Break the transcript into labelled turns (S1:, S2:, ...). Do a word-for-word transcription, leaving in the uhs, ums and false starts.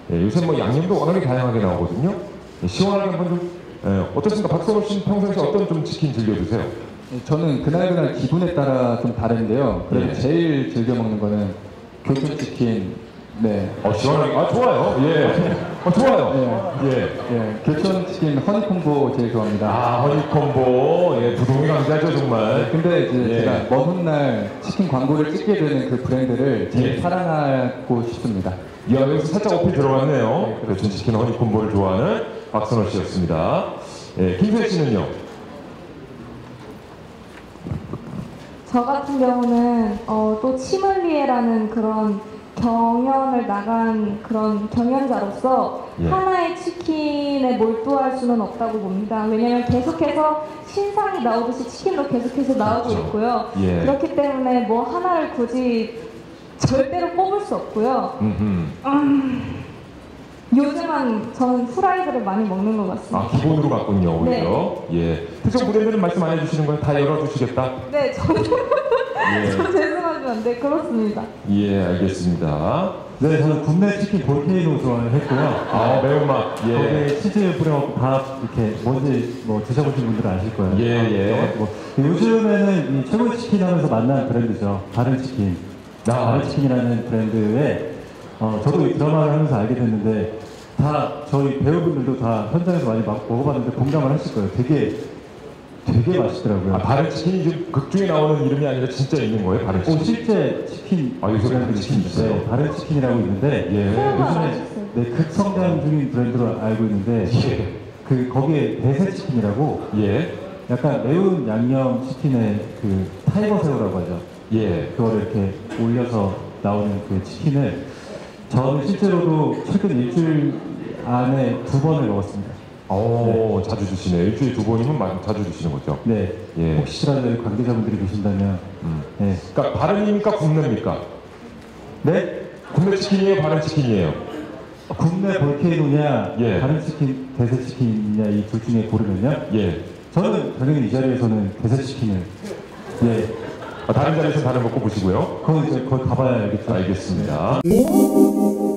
S1: 예, 요새 뭐 양념도 워낙에 다양하게 나오거든요. 예, 시원하게 한번 좀 예, 어떻습니까? 박선호 씨는 평상시 어떤 좀 치킨 즐겨 드세요?
S2: 저는 그날그날 기분에 따라 좀 다른데요. 그래도
S1: 예.
S2: 제일 즐겨 먹는 거는 교촌치킨. 네.
S1: 어, 시원하게. 아, 좋아요. 예. 어, 좋아요. 예. 예.
S2: 예, 교촌치킨 허니콤보 제일 좋아합니다.
S1: 아, 허니콤보. 예, 부동이 강자죠, 정말.
S2: 근데 이제
S1: 예.
S2: 제가 먼 훗날 치킨 광고를 찍게 되는 그 브랜드를 제일
S1: 예.
S2: 사랑하고 싶습니다.
S1: 이 안에서 살짝 어필 들어갔네요. 교촌 치킨 허니콤보를 좋아하는 박선호 씨였습니다. 예, 김세 씨는요?
S3: 저 같은 경우는 어, 또 치멀리에라는 그런 경연을 나간 그런 경연자로서
S1: 예.
S3: 하나의 치킨에 몰두할 수는 없다고 봅니다. 왜냐하면 계속해서 신상이 나오듯이 치킨도 계속해서 나오고
S1: 그렇죠.
S3: 있고요.
S1: 예.
S3: 그렇기 때문에 뭐 하나를 굳이 절대로 뽑을 수 없고요.
S1: 음흠.
S3: 음, 요즘은 저는 프라이드를 많이 먹는 것 같습니다.
S1: 아, 기본으로 갔군요, 오히려. 예. 특정 브랜드는 말씀 안 해주시는 거예요? 다 열어주시겠다?
S3: 네, 저는
S1: 예.
S3: 저 죄송하지만 네 그렇습니다.
S1: 예, 알겠습니다.
S4: 네, 저는 국내 치킨 볼케이노 좋아했고요.
S1: 아, 매운맛. 예.
S4: 거기에 치즈 뿌려갖고 밥 이렇게 뭔지 뭐 드셔보신 분들은 아실 거예요.
S1: 예, 예.
S4: 뭐, 요즘에는 이 최고의 치킨 하면서 만난 브랜드죠. 다른 치킨.
S1: 아.
S4: 다른 치킨이라는 브랜드에 어, 저도 이 드라마를 하면서 알게 됐는데 다 저희 배우분들도 다 현장에서 많이 막 먹어봤는데 공감을 하실 거예요. 되게 되게 맛있더라고요.
S1: 아, 바른 치킨이 지금 극 중에 나오는 이름이 아니라 진짜 있는 거예요, 바른
S4: 오,
S1: 치킨?
S4: 실제 치킨.
S1: 아, 요새
S4: 브랜드
S1: 치킨 있어요?
S4: 네, 다른 치킨이라고 있는데
S1: 예.
S4: 요즘에 네, 극성장 중인 브랜드로 알고 있는데
S1: 예.
S4: 그 거기에 대세 치킨이라고
S1: 예.
S4: 약간 매운 양념 치킨의 그 타이거 새우라고 하죠.
S1: 예.
S4: 그거를 이렇게 올려서 나오는 그 치킨을 저는 실제로도 최근 일주일 안에 두 번을 먹었습니다.
S1: 오, 자주 드시네. 일주일에 두 번이면 많이 자주 드시는 거죠?
S4: 네.
S1: 예.
S4: 혹시라도 여기 관계자분들이 계신다면
S1: 음.
S4: 네.
S1: 그러니까 바른입니까? 국내입니까?
S4: 네?
S1: 국내 치킨이에요? 바른 치킨이에요?
S4: 국내 볼케이노냐
S1: 예.
S4: 다른 치킨 대세 치킨이냐 이 둘 중에 고르면요.
S1: 예.
S4: 저는 당연히 이 자리에서는 대세 치킨을 예.
S1: 아, 다른 자리에서 다른 거 꼽으시고요.
S4: 그건 이제 거기 가봐야 알겠죠.
S1: 알겠습니다.